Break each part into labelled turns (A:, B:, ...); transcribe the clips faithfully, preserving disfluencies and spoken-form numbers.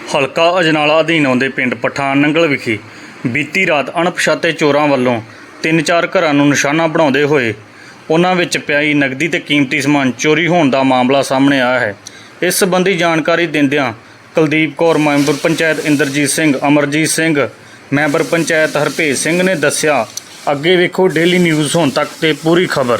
A: ਹਲਕਾ ਅਜਨਾਲਾ ਅਧੀਨ ਆਉਂਦੇ ਪਿੰਡ ਪਠਾਨ ਨੰਗਲ ਵਿਖੇ ਬੀਤੀ ਰਾਤ ਅਣਪਛਾਤੇ ਚੋਰਾਂ ਵੱਲੋਂ ਤਿੰਨ ਚਾਰ ਘਰਾਂ ਨੂੰ ਨਿਸ਼ਾਨਾ ਬਣਾਉਂਦੇ ਹੋਏ ਉਹਨਾਂ ਵਿੱਚ ਪਿਆਈ ਨਗਦੀ ਤੇ ਕੀਮਤੀ ਸਮਾਨ ਚੋਰੀ ਹੋਣ ਦਾ ਮਾਮਲਾ ਸਾਹਮਣੇ ਆਇਆ ਹੈ। ਇਸ ਸੰਬੰਧੀ ਜਾਣਕਾਰੀ ਦਿੰਦਿਆਂ ਕੁਲਦੀਪ ਕੌਰ ਮੈਂਬਰ ਪੰਚਾਇਤ ਇੰਦਰਜੀਤ ਸਿੰਘ, ਅਮਰਜੀਤ ਸਿੰਘ ਮੈਂਬਰ ਪੰਚਾਇਤ ਹਰਭੇਜ ਸਿੰਘ ਨੇ ਦੱਸਿਆ। ਅੱਗੇ ਵੇਖੋ ਡੇਲੀ ਨਿਊਜ਼ ਹੁਣ ਤੱਕ ਤੇ ਪੂਰੀ ਖਬਰ।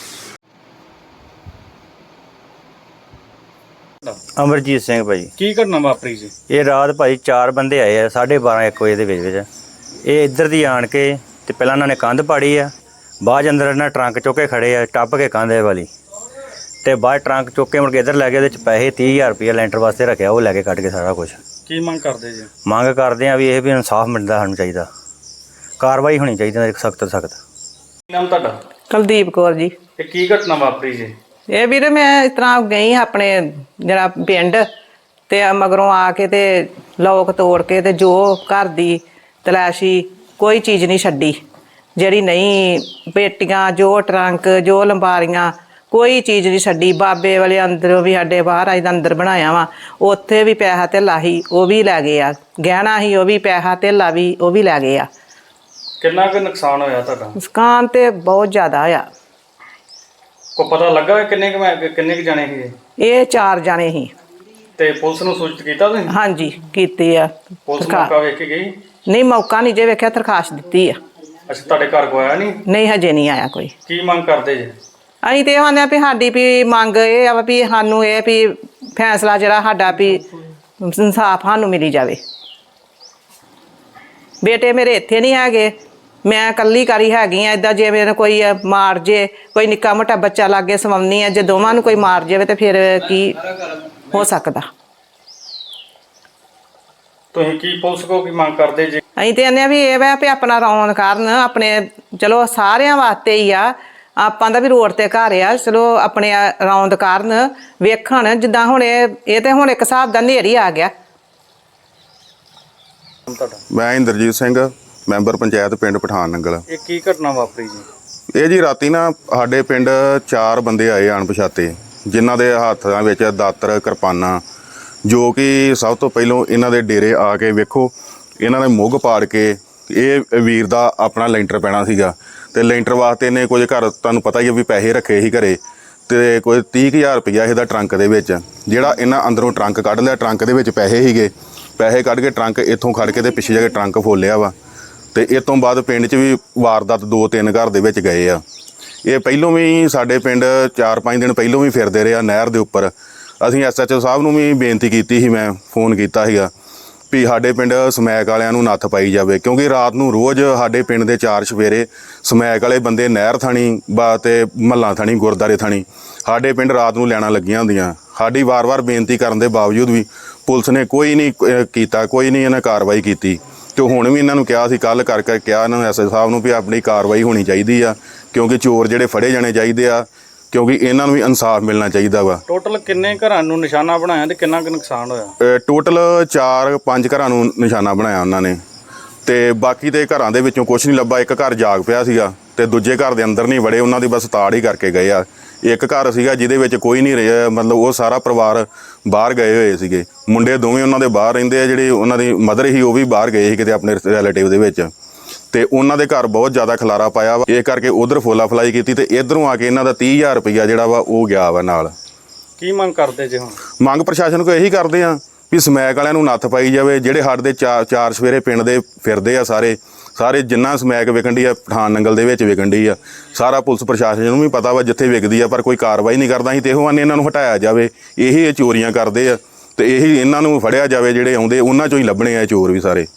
B: ਅਮਰਜੀਤ ਸਿੰਘ ਭਾਈ।
A: ਕੀ ਘਟਨਾ ਵਾਪਰੀ ਜੀ?
B: ਇਹ ਰਾਤ ਭਾਈ ਚਾਰ ਬੰਦੇ ਆਏ ਆ ਸਾਢੇ ਬਾਰਾਂ ਇੱਕ ਵਜੇ ਦੇ ਵਿੱਚ ਵਿੱਚ ਇਹ ਇੱਧਰ ਦੀ ਆਣ ਕੇ ਤੇ ਪਹਿਲਾਂ ਉਹਨਾਂ ਨੇ ਕੰਧ ਪਾੜੀ ਆ, ਬਾਅਦ ਅੰਦਰ ਇਹਨਾਂ ਟਰੰਕ ਚੁੱਕ ਕੇ ਖੜੇ ਆ ਟੱਪ ਕੇ ਕੰਧ ਵਾਲੀ, ਤੇ ਬਾਅਦ ਟਰੰਕ ਚੁੱਕ ਕੇ ਮੁੜ ਕੇ ਇੱਧਰ ਲੈ ਗਏ। ਉਹਦੇ 'ਚ ਪੈਸੇ ਤੀਹ ਹਜ਼ਾਰ ਰੁਪਈਆ ਲੈਂਟਰ ਵਾਸਤੇ ਰੱਖਿਆ, ਉਹ ਲੈ ਕੇ ਕੱਢ ਕੇ ਸਾਰਾ ਕੁਛ।
A: ਕੀ ਮੰਗ ਕਰਦੇ ਜੀ?
B: ਮੰਗ ਕਰਦੇ ਆ ਵੀ ਇਹ ਵੀ ਇਨਸਾਫ ਮਿਲਦਾ ਸਾਨੂੰ ਚਾਹੀਦਾ, ਕਾਰਵਾਈ ਹੋਣੀ ਚਾਹੀਦੀ ਸਖਤ ਤੋਂ ਸਖਤ।
A: ਕੀ ਨਾਮ ਤੁਹਾਡਾ?
C: ਕੁਲਦੀਪ ਕੌਰ ਜੀ।
A: ਇਹ ਕੀ ਘਟਨਾ ਵਾਪਰੀ ਜੀ?
C: ਇਹ ਵੀਰੇ ਮੈਂ ਇਸ ਤਰ੍ਹਾਂ ਗਈ ਆਪਣੇ ਜਿਹੜਾ ਪਿੰਡ ਤੇ ਮਗਰੋਂ ਆ ਕੇ ਤੇ ਲੋਕ ਤੋੜ ਕੇ ਤੇ ਜੋ ਘਰ ਦੀ ਤਲਾਸ਼ੀ ਕੋਈ ਚੀਜ਼ ਨਹੀਂ ਛੱਡੀ, ਜਿਹੜੀ ਨਹੀਂ ਪੇਟੀਆਂ, ਜੋ ਟਰੰਕ, ਜੋ ਲੰਬਾਰੀਆਂ, ਕੋਈ ਚੀਜ਼ ਨਹੀਂ ਛੱਡੀ। ਬਾਬੇ ਵਾਲੇ ਅੰਦਰੋਂ ਵੀ ਸਾਡੇ ਬਾਹਰ ਆਈ ਦਾ ਅੰਦਰ ਬਣਾਇਆ ਵਾ, ਉੱਥੇ ਵੀ ਪੈਸਾ ਧੇਲਾ ਸੀ ਉਹ ਵੀ ਲੈ ਗਏ ਆ, ਗਹਿਣਾ ਸੀ ਉਹ ਵੀ, ਪੈਸਾ ਧੇਲਾ ਵੀ ਉਹ ਵੀ ਲੈ ਗਏ ਆ।
A: ਕਿੰਨਾ ਕੁ ਨੁਕਸਾਨ ਹੋਇਆ ਤੁਹਾਡਾ?
C: ਨੁਕਸਾਨ ਤੇ ਬਹੁਤ ਜ਼ਿਆਦਾ ਆ।
A: ਕੋ ਪਤਾ ਲੱਗਾ ਕਿੰਨੇ ਕੁ ਕਿੰਨੇ ਕੁ ਜਾਣੇ ਸੀ?
C: ਇਹ ਚਾਰ ਜਾਣੇ ਸੀ।
A: ਤੇ ਪੁਲਿਸ ਨੂੰ ਸੂਚਿਤ ਕੀਤਾ ਤੁਸੀਂ?
C: ਹਾਂਜੀ ਕੀਤੀ ਆ।
A: ਪੁਲਿਸ ਮੌਕਾ ਵੇਖ ਕੇ ਗਈ?
C: ਨਹੀਂ, ਮੌਕਾ ਨਹੀਂ ਜੇ ਵੇਖਿਆ, ਦਰਖਾਸਤ ਦਿੱਤੀ ਆ।
A: ਅੱਛਾ, ਤੁਹਾਡੇ ਘਰ ਕੋ ਆਇਆ ਨਹੀਂ?
C: ਨਹੀਂ, ਹਜੇ ਨਹੀਂ ਆਇਆ ਕੋਈ।
A: ਕੀ ਮੰਗ ਕਰਦੇ ਜੀ?
C: ਅਸੀਂ ਤੇ ਇਹ ਆਂਦੇ ਆ ਵੀ ਸਾਡੀ ਵੀ ਮੰਗ ਇਹ ਆ ਵੀ ਸਾਨੂੰ ਇਹ ਵੀ ਫੈਸਲਾ ਜਿਹੜਾ ਸਾਡਾ ਵੀ ਇਨਸਾਫ ਸਾਨੂੰ ਮਿਲੀ ਜਾਵੇ। ਬੇਟੇ ਮੇਰੇ ਇੱਥੇ ਨਹੀਂ ਹੈਗੇ, ਮੈਂ ਇਕੱਲੀ ਕਰੀ ਹੈਗੀ ਆ। ਇੱਦਾਂ ਜੇ ਮੇਰੇ ਕੋਈ ਮਾਰ ਜੇ, ਕੋਈ ਨਿੱਕਾ ਮੋਟਾ ਬੱਚਾ ਲਾਗੇ ਸਵਾਉਣੀ ਆ, ਜੇ ਦੋਵਾਂ ਨੂੰ ਕੋਈ ਮਾਰ ਜਾਵੇ ਤੇ ਫਿਰ ਕੀ ਹੋ ਸਕਦਾ?
A: ਤੁਸੀਂ ਕੀ ਪੁਲਿਸ ਕੋ ਕੀ ਮੰਗ ਕਰਦੇ ਜੀ?
C: ਅਸੀਂ ਤੇ ਕਹਿੰਦੇ ਆ ਵੀ ਇਹ ਵਾ ਵੀ ਆਪਣਾ ਰੌਣ ਕਰਨ, ਆਪਣੇ ਚਲੋ ਸਾਰਿਆਂ ਵਾਸਤੇ ਹੀ ਆ, ਆਪਾਂ ਦਾ ਵੀ ਰੋਡ ਤੇ ਘਰ ਆ, ਚਲੋ ਆਪਣੇ ਰੌਂਦ ਕਾਰਨ ਵੇਖਣ। ਜਿੱਦਾਂ ਹੁਣ ਇਹ ਇਹ ਤੇ ਹੁਣ ਇੱਕ ਹਿਸਾਬ ਦਾ ਹਨੇਰੀ ਆ ਗਿਆ।
D: ਮੈਂ ਇੰਦਰਜੀਤ ਸਿੰਘ, ਮੈਂਬਰ ਪੰਚਾਇਤ ਪਿੰਡ ਪਠਾਨ ਨੰਗਲ।
A: ਇਹ ਕੀ ਘਟਨਾ ਵਾਪਰੀ ਜੀ?
D: ਇਹ ਜੀ ਰਾਤੀ ਨਾ ਸਾਡੇ ਪਿੰਡ ਚਾਰ ਬੰਦੇ ਆਏ ਅਣਪਛਾਤੇ, ਜਿਨ੍ਹਾਂ ਦੇ ਹੱਥਾਂ ਵਿੱਚ ਦਾਤਰ, ਕਿਰਪਾਨਾਂ, ਜੋ ਕਿ ਸਭ ਤੋਂ ਪਹਿਲੋਂ ਇਹਨਾਂ ਦੇ ਡੇਰੇ ਆ ਕੇ ਵੇਖੋ ਇਹਨਾਂ ਨੇ ਮੁੱਗ ਪਾੜ ਕੇ, ਇਹ ਵੀਰ ਦਾ ਆਪਣਾ ਲੈਂਟਰ ਪੈਣਾ ਸੀਗਾ ਤੇ ਲੈਂਟਰ ਵਾਸਤੇ ਇਹਨੇ ਕੁਝ ਘਰ ਤੁਹਾਨੂੰ ਪਤਾ ਹੀ ਹੈ ਵੀ ਪੈਸੇ ਰੱਖੇ ਸੀ ਘਰੇ, ਤੇ ਕੋਈ ਤੀਹ ਕੁ ਹਜ਼ਾਰ ਰੁਪਈਆ ਇਹਦਾ ਟਰੰਕ ਦੇ ਵਿੱਚ, ਜਿਹੜਾ ਇਹਨਾਂ ਅੰਦਰੋਂ ਟਰੰਕ ਕੱਢ ਲਿਆ। ਟਰੰਕ ਦੇ ਵਿੱਚ ਪੈਸੇ ਸੀਗੇ, ਪੈਸੇ ਕੱਢ ਕੇ ਟਰੰਕ ਇੱਥੋਂ ਖੜ ਕੇ ਤੇ ਪਿੱਛੇ ਜਾ ਕੇ ਟਰੰਕ ਫੋਲਿਆ ਵਾ। ਤੇ ਇਸ ਤੋਂ ਬਾਅਦ ਪਿੰਡ 'ਚ ਵੀ ਵਾਰਦਾਤ ਦੋ ਤਿੰਨ ਘਰ ਦੇ ਵਿੱਚ ਗਏ ਆ। ਇਹ ਪਹਿਲੋਂ ਵੀ ਸਾਡੇ ਪਿੰਡ ਚਾਰ ਪੰਜ ਦਿਨ ਪਹਿਲੋਂ ਵੀ ਫਿਰਦੇ ਰਹੇ ਆ ਨਹਿਰ ਦੇ ਉੱਪਰ। ਅਸੀਂ ਐਸ ਐਚ ਓ ਸਾਹਿਬ ਨੂੰ ਵੀ ਬੇਨਤੀ ਕੀਤੀ ਸੀ, ਮੈਂ ਫੋਨ ਕੀਤਾ ਸੀਗਾ ਵੀ ਸਾਡੇ ਪਿੰਡ ਸਮੈਕ ਵਾਲਿਆਂ ਨੂੰ ਨੱਥ ਪਾਈ ਜਾਵੇ, ਕਿਉਂਕਿ ਰਾਤ ਨੂੰ ਰੋਜ਼ ਸਾਡੇ ਪਿੰਡ ਦੇ ਚਾਰ ਸਵੇਰੇ ਸਮੈਕ ਵਾਲੇ ਬੰਦੇ ਨਹਿਰ ਥਾਣੀ ਬਾ ਤੇ ਮਹੱਲਾ ਥਾਣੀ, ਗੁਰਦੁਆਰੇ ਥਾਣੀ ਸਾਡੇ ਪਿੰਡ ਰਾਤ ਨੂੰ ਲੈਣਾ ਲੱਗੀਆਂ ਹੁੰਦੀਆਂ। ਸਾਡੀ ਵਾਰ-ਵਾਰ ਬੇਨਤੀ ਕਰਨ ਦੇ ਬਾਵਜੂਦ ਵੀ ਪੁਲਿਸ ਨੇ ਕੋਈ ਨਹੀਂ ਕੀਤਾ, ਕੋਈ ਨਹੀਂ ਇਹਨਾਂ ਕਾਰਵਾਈ ਕੀਤੀ। ਤੇ ਹੁਣ ਵੀ ਇਹਨਾਂ ਨੂੰ ਕਿਹਾ ਸੀ, ਕੱਲ੍ਹ ਕਰ ਕਰ ਕਿਹਾ ਇਹਨਾਂ ਨੂੰ ਐਸ ਐਚ ਸਾਹਿਬ ਨੂੰ ਵੀ ਆਪਣੀ ਕਾਰਵਾਈ ਹੋਣੀ ਚਾਹੀਦੀ ਆ, ਕਿਉਂਕਿ ਚੋਰ ਜਿਹੜੇ ਫੜੇ ਜਾਣੇ ਚਾਹੀਦੇ ਆ, ਕਿਉਂਕਿ ਇਹਨਾਂ ਨੂੰ ਵੀ ਇਨਸਾਫ ਮਿਲਣਾ ਚਾਹੀਦਾ ਵਾ।
A: ਟੋਟਲ ਕਿੰਨੇ ਘਰਾਂ ਨੂੰ ਨਿਸ਼ਾਨਾ ਬਣਾਇਆ ਤੇ ਕਿੰਨਾ ਕੁ ਨੁਕਸਾਨ ਹੋਇਆ?
D: ਟੋਟਲ ਚਾਰ ਪੰਜ ਘਰਾਂ ਨੂੰ ਨਿਸ਼ਾਨਾ ਬਣਾਇਆ ਉਹਨਾਂ ਨੇ, ਤੇ ਬਾਕੀ ਦੇ ਘਰਾਂ ਦੇ ਵਿੱਚੋਂ ਕੁਛ ਨਹੀਂ ਲੱਭਾ। ਇੱਕ ਘਰ ਜਾਗ ਪਿਆ ਸੀਗਾ ਤੇ ਦੂਜੇ ਘਰ ਦੇ ਅੰਦਰ ਨਹੀਂ ਵੜੇ, ਉਹਨਾਂ ਦੀ ਬਸ ਤਾੜ ਹੀ ਕਰਕੇ ਗਏ ਆ। ਇੱਕ ਘਰ ਸੀਗਾ ਜਿਹਦੇ ਵਿੱਚ ਕੋਈ ਨਹੀਂ ਰਿਹਾ, ਮਤਲਬ ਉਹ ਸਾਰਾ ਪਰਿਵਾਰ ਬਾਹਰ ਗਏ ਹੋਏ ਸੀਗੇ। ਮੁੰਡੇ ਦੋਵੇਂ ਉਹਨਾਂ ਦੇ ਬਾਹਰ ਰਹਿੰਦੇ ਆ, ਜਿਹੜੇ ਉਹਨਾਂ ਦੀ ਮਦਰ ਸੀ ਉਹ ਵੀ ਬਾਹਰ ਗਏ ਸੀ ਕਿਤੇ ਆਪਣੇ ਰਿਲੇਟਿਵ ਦੇ ਵਿੱਚ, ਤੇ ਉਹਨਾਂ ਦੇ ਘਰ ਬਹੁਤ ਜ਼ਿਆਦਾ ਖਲਾਰਾ ਪਾਇਆ ਵਾ। ਇਹ ਕਰਕੇ ਉਧਰ ਫੋਲਾ ਫਲਾਈ ਕੀਤੀ ਤੇ ਇਧਰੋਂ ਆ ਕੇ ਇਹਨਾਂ ਦਾ ਤੀਹ ਹਜ਼ਾਰ ਰੁਪਈਆ ਜਿਹੜਾ ਵਾ ਉਹ ਗਿਆ ਵਾ ਨਾਲ।
A: ਕੀ ਮੰਗ ਕਰਦੇ ਜੀ? ਹੁਣ ਮੰਗ
D: ਪ੍ਰਸ਼ਾਸਨ ਕੋਲ ਇਹੀ ਕਰਦੇ ਆ ਵੀ ਸਮੈਕ ਵਾਲਿਆਂ ਨੂੰ ਨੱਥ ਪਾਈ ਜਾਵੇ। ਜਿਹੜੇ ਸਾਡੇ ਦੇ ਚਾਰ ਚਾਰ ਸਵੇਰੇ ਪਿੰਡ ਦੇ ਫਿਰਦੇ ਆ ਸਾਰੇ ਸਾਰੇ ਜਿੰਨਾ ਸਮੈਕ ਵਿਕਣ ਡਈ ਆ ਪਠਾਨ ਨੰਗਲ ਦੇ ਵਿੱਚ ਵਿਕਣ ਡਈ ਆ, ਸਾਰਾ ਪੁਲਿਸ ਪ੍ਰਸ਼ਾਸਨ ਨੂੰ ਵੀ ਪਤਾ ਵਾ ਜਿੱਥੇ ਵਿਕਦੀ ਆ, ਪਰ ਕੋਈ ਕਾਰਵਾਈ ਨਹੀਂ ਕਰਦਾ। ਅਸੀਂ ਤੇ ਇਹੋ ਆਨੇ ਇਹਨਾਂ ਨੂੰ ਹਟਾਇਆ ਜਾਵੇ। ਇਹੀ ਇਹ ਚੋਰੀਆਂ ਕਰਦੇ ਆ ਤੇ ਇਹੀ ਇਹਨਾਂ ਨੂੰ ਫੜਿਆ ਜਾਵੇ, ਜਿਹੜੇ ਆਉਂਦੇ ਉਹਨਾਂ ਚੋਂ ਹੀ ਲੱਭਣੇ ਆ ਚੋਰ ਵੀ ਸਾਰੇ।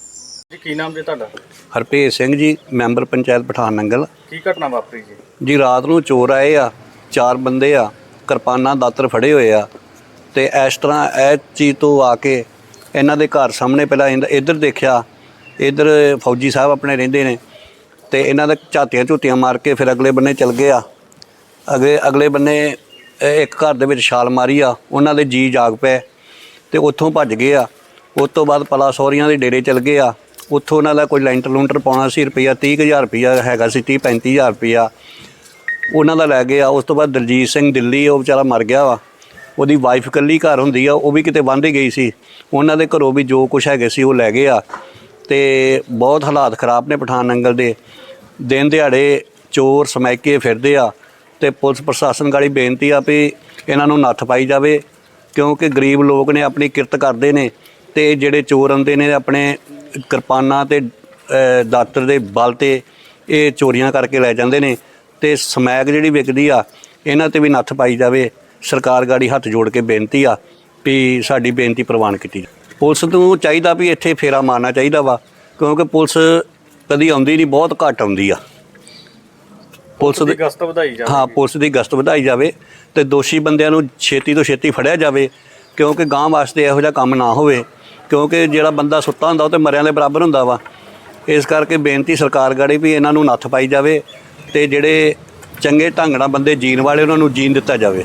A: ਜੀ ਕੀ ਨਾਮ ਜੀ ਤੁਹਾਡਾ?
E: ਹਰਭੇਜ ਸਿੰਘ ਜੀ, ਮੈਂਬਰ ਪੰਚਾਇਤ ਪਠਾਨ ਨੰਗਲ।
A: ਕੀ ਘਟਨਾ ਵਾਪਰੀ ਜੀ?
E: ਜੀ ਰਾਤ ਨੂੰ ਚੋਰ ਆਏ ਆ, ਚਾਰ ਬੰਦੇ ਆ, ਕਿਰਪਾਨਾਂ ਦਾਤਰ ਫੜੇ ਹੋਏ ਆ, ਤੇ ਇਸ ਤਰ੍ਹਾਂ ਇਹ ਚੀਜ਼ ਤੋਂ ਆ ਕੇ ਇਹਨਾਂ ਦੇ ਘਰ ਸਾਹਮਣੇ ਪਹਿਲਾਂ ਇੱਧਰ ਦੇਖਿਆ, ਇੱਧਰ ਫੌਜੀ ਸਾਹਿਬ ਆਪਣੇ ਰਹਿੰਦੇ ਨੇ, ਤੇ ਇਹਨਾਂ ਦਾ ਝਾਤੀਆਂ ਝੂਤੀਆਂ ਮਾਰ ਕੇ ਫਿਰ ਅਗਲੇ ਬੰਨੇ ਚਲ ਗਏ ਆ। ਅਗਲੇ ਅਗਲੇ ਬੰਨੇ ਇੱਕ ਘਰ ਦੇ ਵਿੱਚ ਛਾਲ ਮਾਰੀ ਆ, ਉਹਨਾਂ ਦੇ ਜੀ ਜਾਗ ਪਏ ਤੇ ਉੱਥੋਂ ਭੱਜ ਗਏ ਆ। ਉਸ ਤੋਂ ਬਾਅਦ ਪਲਾ ਸੌਰੀਆਂ ਦੇ ਡੇਰੇ ਚਲ ਗਏ ਆ, ਉੱਥੋਂ ਉਹਨਾਂ ਦਾ ਕੋਈ ਲੈਂਟਰ ਲੂੰਟਰ ਪਾਉਣਾ ਸੀ, ਰੁਪਈਆ ਤੀਹ ਕੁ ਹਜ਼ਾਰ ਰੁਪਈਆ ਹੈਗਾ ਸੀ, ਤੀਹ ਪੈਂਤੀ ਹਜ਼ਾਰ ਰੁਪਈਆ ਉਹਨਾਂ ਦਾ ਲੈ ਗਏ ਆ। ਉਸ ਤੋਂ ਬਾਅਦ ਦਲਜੀਤ ਸਿੰਘ ਦਿੱਲੀ, ਉਹ ਵਿਚਾਰਾ ਮਰ ਗਿਆ ਵਾ। ਉਹਦੀ ਵਾਈਫ ਇਕੱਲੀ ਘਰ ਹੁੰਦੀ ਆ, ਉਹ ਵੀ ਕਿਤੇ ਵਾਂਢੇ ਗਈ ਸੀ। ਉਹਨਾਂ ਦੇ ਘਰੋਂ ਵੀ ਜੋ ਕੁਛ ਹੈਗੇ ਸੀ ਉਹ ਲੈ ਗਏ ਆ। ਤੇ ਬਹੁਤ ਹਾਲਾਤ ਖਰਾਬ ਨੇ ਪਠਾਨ ਨੰਗਲ ਦੇ। ਦਿਨ ਦਿਹਾੜੇ ਚੋਰ ਸਮੈਕੇ ਫਿਰਦੇ ਆ ਤੇ ਪੁਲਿਸ ਪ੍ਰਸ਼ਾਸਨ ਗਾੜੀ ਬੇਨਤੀ ਆ ਵੀ ਇਹਨਾਂ ਨੂੰ ਨੱਥ ਪਾਈ ਜਾਵੇ, ਕਿਉਂਕਿ ਗਰੀਬ ਲੋਕ ਨੇ, ਆਪਣੀ ਕਿਰਤ ਕਰਦੇ ਨੇ, ਤੇ ਜਿਹੜੇ ਚੋਰ ਆਉਂਦੇ ਨੇ ਆਪਣੇ ਕਿਰਪਾਨਾਂ ਤੇ ਅ, ਦਾਤਰ ਦੇ ਬਲ ਤੇ ਇਹ ਚੋਰੀਆਂ ਕਰਕੇ ਲੈ ਜਾਂਦੇ ਨੇ। ਤੇ ਸਮੈਕ ਜਿਹੜੀ ਵਿਕਦੀ ਆ, ਇਹਨਾਂ ਤੇ ਵੀ ਨੱਥ ਪਾਈ ਜਾਵੇ। ਸਰਕਾਰ ਗਾੜੀ ਹੱਥ ਜੋੜ ਕੇ ਬੇਨਤੀ ਆ ਵੀ ਸਾਡੀ ਬੇਨਤੀ ਪ੍ਰਵਾਨ ਕੀਤੀ ਜਾਵੇ। ਪੁਲਿਸ ਨੂੰ ਚਾਹੀਦਾ ਵੀ ਇੱਥੇ ਫੇਰਾ ਮਾਰਨਾ ਚਾਹੀਦਾ ਵਾ, ਕਿਉਂਕਿ ਪੁਲਿਸ ਕਦੀ ਆਉਂਦੀ ਨਹੀਂ, ਬਹੁਤ ਘੱਟ ਆਉਂਦੀ ਆ। ਪੁਲਿਸ ਦੀ
A: ਗਸ਼ਤ ਵਧਾਈ ਜਾਵੇ।
E: ਹਾਂ, ਪੁਲਿਸ ਦੀ ਗਸ਼ਤ ਵਧਾਈ ਜਾਵੇ ਤੇ ਦੋਸ਼ੀ ਬੰਦਿਆਂ ਨੂੰ ਛੇਤੀ ਤੋਂ ਛੇਤੀ ਫੜਿਆ ਜਾਵੇ, ਕਿਉਂਕਿ ਗਾਂ ਵਾਸਤੇ ਇਹੋ ਜਿਹਾ ਕੰਮ ਨਾ ਹੋਵੇ। ਕਿਉਂਕਿ ਜਿਹੜਾ ਬੰਦਾ ਸੁੱਤਾ ਹੁੰਦਾ ਉਹ ਤੇ ਮਰਿਆਂ ਦੇ ਬਰਾਬਰ ਹੁੰਦਾ ਵਾ। ਇਸ ਕਰਕੇ ਬੇਨਤੀ ਸਰਕਾਰ ਗਾੜੀ ਵੀ ਇਹਨਾਂ ਨੂੰ ਨੱਥ ਪਾਈ ਜਾਵੇ ਤੇ ਜਿਹੜੇ ਚੰਗੇ ਢੰਗ ਨਾਲ ਬੰਦੇ ਜੀਣ ਵਾਲੇ ਉਹਨਾਂ ਨੂੰ ਜੀਣ ਦਿੱਤਾ ਜਾਵੇ।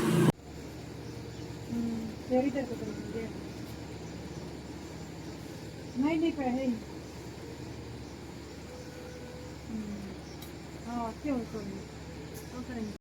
F: ਨਹੀਂ ਨਹੀਂ ਪੈਸੇ ਹਾਂ ਕਿਉਂ ਕੋਈ